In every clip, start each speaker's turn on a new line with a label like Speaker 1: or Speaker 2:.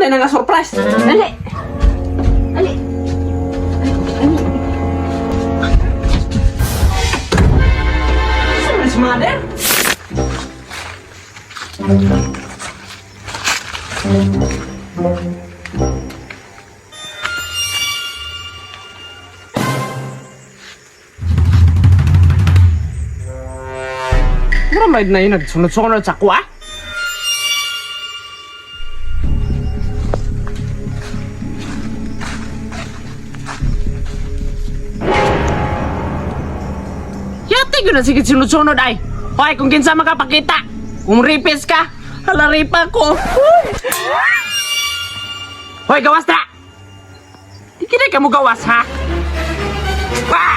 Speaker 1: man na nga surprise.
Speaker 2: Dali. Dali.
Speaker 1: Saan si mother? Maramay na yun, nagsunod-sunod sa kuha. Yati ko na sige sunod-sunod ay. Hoy, kung kinsa makapakita. Kung ripis ka, halaripa ko. Hoy, gawas na! Di kinay ka mo gawas, ha? Ah!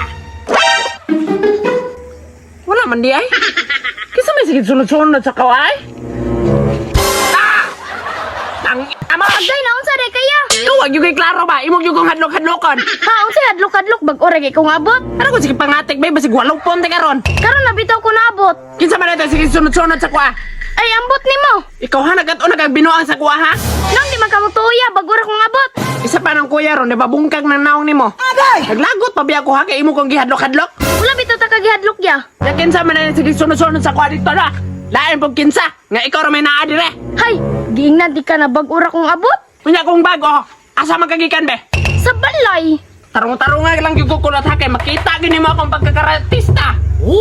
Speaker 1: Wala man di ay. Kisa may sige sunod-sunod sa kaway. Ah! Ang ama!
Speaker 2: Agday na unsa day kaya?
Speaker 1: Huwag yung kay klaro ba? Imog yung kong hadlok-hadlokon.
Speaker 2: Ha, unsa hadlok-hadlok bag ora kay kung abot?
Speaker 1: Ano ko sige pangatik ba? Basig walong ponte karon.
Speaker 2: Karon nabitaw ko naabot.
Speaker 1: Kinsa man natin sige sunod-sunod sa kuha.
Speaker 2: Ay ambot nimo.
Speaker 1: Ikaw ha, nagat o nagagbinuang sa kuha ha?
Speaker 2: Nang di man ka mutuya bag ora kong abot.
Speaker 1: Isa pa ng kuya ron, nababungkag ng naong nimo. Naglagot pa biya ko ha, kay imo kong gihadlok-hadlok.
Speaker 2: Wala bitaw ta kagihadlok ya.
Speaker 1: Na kinsa man natin sige sunod-sunod sa kuha dito na. Lain pong kinsa, nga ikaw rin may naadire.
Speaker 2: Hay, giingnan di ka na bag ora kong abot.
Speaker 1: Kunya kong bago, asa magagikan be?
Speaker 2: Sa balay.
Speaker 1: Tarong-tarong lang yung kukulot ha, kay makita gini mo akong pagkakaratista.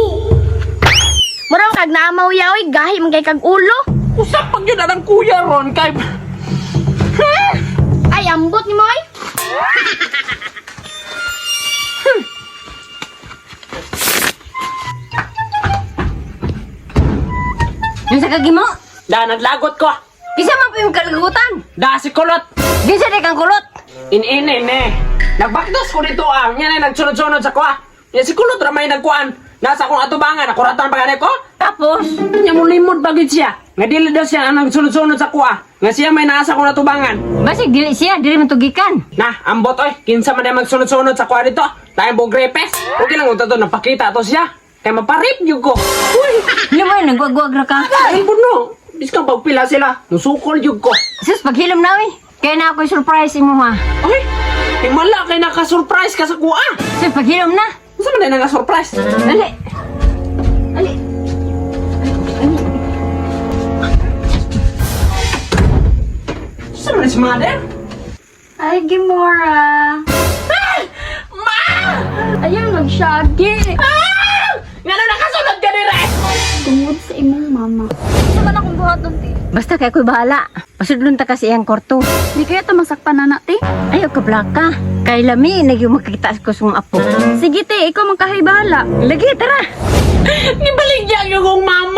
Speaker 2: Mura kag naamaw yaoy gahi man kay kag ulo.
Speaker 1: Usap pag yun na ng kuya ron, kay...
Speaker 2: Ay ambot nimo ay.
Speaker 3: Yung sa kagimo?
Speaker 1: Da, naglagot ko.
Speaker 3: Isa man po yung kalagutan.
Speaker 1: Da, si kulot.
Speaker 3: Gisa di kang kulot.
Speaker 1: In-in-in eh. Nagbakdos ko dito yan ay nagsunod-sunod sa kuha. Yan si kulot ramay nagkuhan. Nasa akong atubangan, nakuratan pa ganit ko.
Speaker 3: Tapos,
Speaker 1: Nya mo limod bagid siya. Nga dili daw siya ang nagsunod-sunod sa kuha. Nga siya may nasa akong natubangan.
Speaker 3: basig dili siya, dili man tugikan.
Speaker 1: Na, ambot oy, kinsa man na magsunod-sunod sa kuha dito. Tayo bong grepes. Okay lang ito napakita to siya. Kaya maparip yung ko. Uy,
Speaker 3: Hindi mo yun, nagwagwag ra ka.
Speaker 1: ay buno. Biskang pagpila sila. Nusukol yung ko.
Speaker 3: Sus, paghilom na eh. Kaya na ako'y surprise mo ha.
Speaker 1: Ay, himala kay naka-surprise ka sa kuha.
Speaker 3: Sus, paghilom na.
Speaker 1: Saan man na naka-surprise?
Speaker 3: Dali. Dali.
Speaker 1: Saan man si mother?
Speaker 2: Ay Gimora.
Speaker 1: Ma!
Speaker 2: Ayaw nagsyagi.
Speaker 1: Ah! Nga na nakasunod ka nire!
Speaker 2: Tungod sa imong mama. Sa man akong buhat dun ti.
Speaker 3: Basta kay ako'y bahala. Pasudlon ta kasi ang korto.
Speaker 2: Di kaya ta masakpan na ti.
Speaker 3: Ayaw ka blaka. Kay lami, nagyong makikita ko sa apo.
Speaker 2: Sige te, ikaw magkahay bahala.
Speaker 3: Lagi, tara.
Speaker 1: Nibaligyan yung kong mama!